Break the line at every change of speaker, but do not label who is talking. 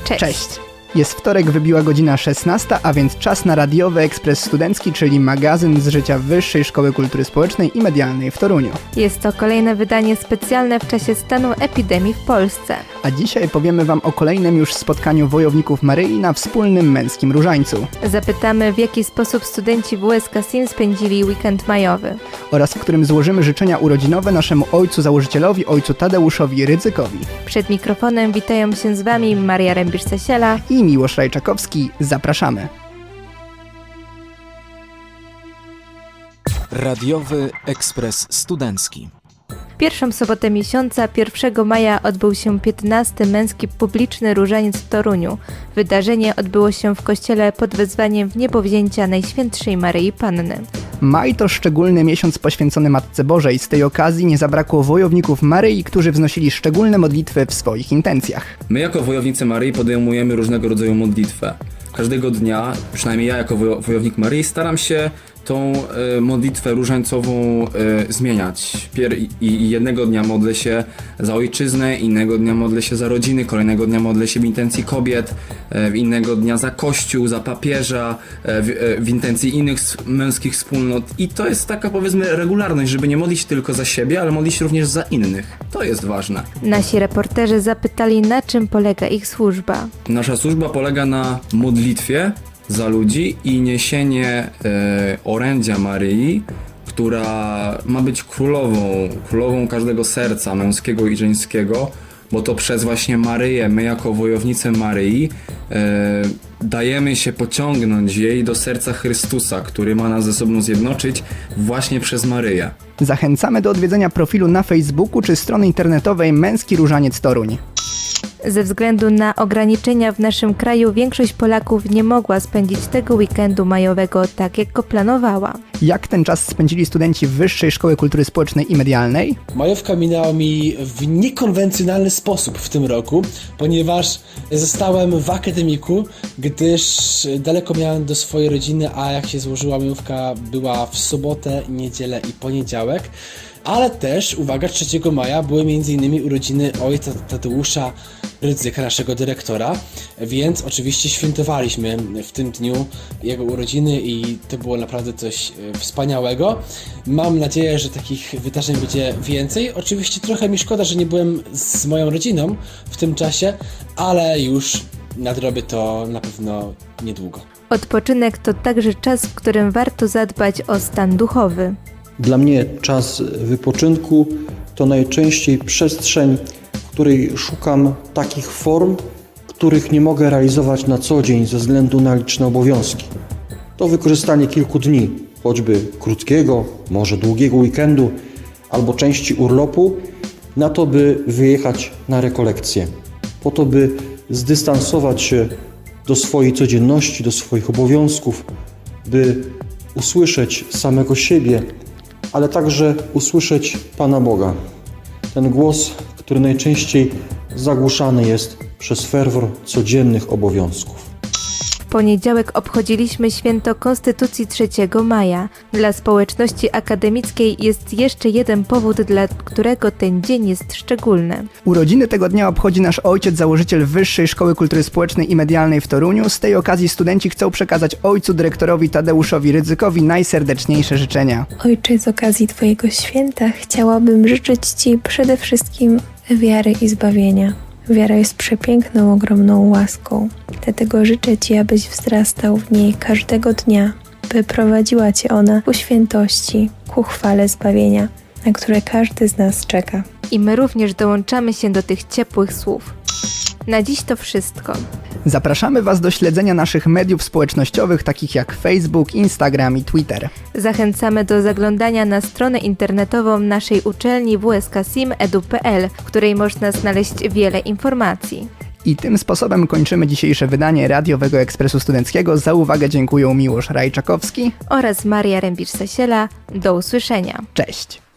Cześć! Jest wtorek, wybiła godzina 16, a więc czas na radiowy Ekspres Studencki, czyli magazyn z życia Wyższej Szkoły Kultury Społecznej i Medialnej w Toruniu.
Jest to kolejne wydanie specjalne w czasie stanu epidemii w Polsce.
A dzisiaj powiemy Wam o kolejnym już spotkaniu wojowników Maryi na wspólnym męskim różańcu.
Zapytamy, w jaki sposób studenci WSK SIM spędzili weekend majowy.
Oraz w którym złożymy życzenia urodzinowe naszemu ojcu założycielowi, ojcu Tadeuszowi Rydzykowi.
Przed mikrofonem witają się z Wami Maria Rębisz-Sasiela
I Miłosz Rajczakowski. Zapraszamy.
Radiowy Ekspres Studencki.
Pierwszą sobotę miesiąca, 1 maja, odbył się 15. męski publiczny różaniec w Toruniu. Wydarzenie odbyło się w kościele pod wezwaniem Wniebowzięcia Najświętszej Maryi Panny.
Maj to szczególny miesiąc poświęcony Matce Bożej. Z tej okazji nie zabrakło wojowników Maryi, którzy wznosili szczególne modlitwy w swoich intencjach.
My jako wojownicy Maryi podejmujemy różnego rodzaju modlitwę. Każdego dnia, przynajmniej ja jako wojownik Maryi, staram się tą modlitwę różańcową zmieniać. I jednego dnia modlę się za ojczyznę, innego dnia modlę się za rodziny, kolejnego dnia modlę się w intencji kobiet, innego dnia za kościół, za papieża, w intencji innych męskich wspólnot. I to jest taka, powiedzmy, regularność, żeby nie modlić tylko za siebie, ale modlić również za innych. To jest ważne.
Nasi reporterzy zapytali, na czym polega ich służba.
Nasza służba polega na modlitwie za ludzi i niesienie orędzia Maryi, która ma być królową każdego serca męskiego i żeńskiego, bo to przez właśnie Maryję, my jako wojownicy Maryi dajemy się pociągnąć jej do serca Chrystusa, który ma nas ze sobą zjednoczyć właśnie przez Maryję.
Zachęcamy do odwiedzenia profilu na Facebooku czy strony internetowej Męski Różaniec Toruń.
Ze względu na ograniczenia w naszym kraju większość Polaków nie mogła spędzić tego weekendu majowego tak, jak go planowała.
Jak ten czas spędzili studenci Wyższej Szkoły Kultury Społecznej i Medialnej?
Majówka minęła mi w niekonwencjonalny sposób w tym roku, ponieważ zostałem w akademiku, gdyż daleko miałem do swojej rodziny, a jak się złożyła majówka, była w sobotę, niedzielę i poniedziałek. Ale też, uwaga, 3 maja były m.in. urodziny ojca Tadeusza Rydzyka, naszego dyrektora, więc oczywiście świętowaliśmy w tym dniu jego urodziny i to było naprawdę coś wspaniałego. Mam nadzieję, że takich wydarzeń będzie więcej. Oczywiście trochę mi szkoda, że nie byłem z moją rodziną w tym czasie, ale już nadrobię to na pewno niedługo.
Odpoczynek to także czas, w którym warto zadbać o stan duchowy.
Dla mnie czas wypoczynku to najczęściej przestrzeń, w której szukam takich form, których nie mogę realizować na co dzień ze względu na liczne obowiązki. To wykorzystanie kilku dni, choćby krótkiego, może długiego weekendu albo części urlopu, na to, by wyjechać na rekolekcję. Po to, by zdystansować się do swojej codzienności, do swoich obowiązków, by usłyszeć samego siebie, ale także usłyszeć Pana Boga. Ten głos, który najczęściej zagłuszany jest przez ferwor codziennych obowiązków.
W poniedziałek obchodziliśmy święto Konstytucji 3 maja. Dla społeczności akademickiej jest jeszcze jeden powód, dla którego ten dzień jest szczególny.
Urodziny tego dnia obchodzi nasz ojciec, założyciel Wyższej Szkoły Kultury Społecznej i Medialnej w Toruniu. Z tej okazji studenci chcą przekazać ojcu dyrektorowi Tadeuszowi Rydzykowi najserdeczniejsze życzenia.
Ojcze, z okazji Twojego święta chciałabym życzyć Ci przede wszystkim wiary i zbawienia. Wiara jest przepiękną, ogromną łaską. Dlatego życzę Ci, abyś wzrastał w niej każdego dnia, by prowadziła Cię ona ku świętości, ku chwale zbawienia, na które każdy z nas czeka.
I my również dołączamy się do tych ciepłych słów. Na dziś to wszystko.
Zapraszamy Was do śledzenia naszych mediów społecznościowych, takich jak Facebook, Instagram i Twitter.
Zachęcamy do zaglądania na stronę internetową naszej uczelni wskasim.edu.pl, w której można znaleźć wiele informacji.
I tym sposobem kończymy dzisiejsze wydanie Radiowego Ekspresu Studenckiego. Za uwagę dziękuję Miłosz Rajczakowski
oraz Maria Rębisz-Sasiela. Do usłyszenia.
Cześć!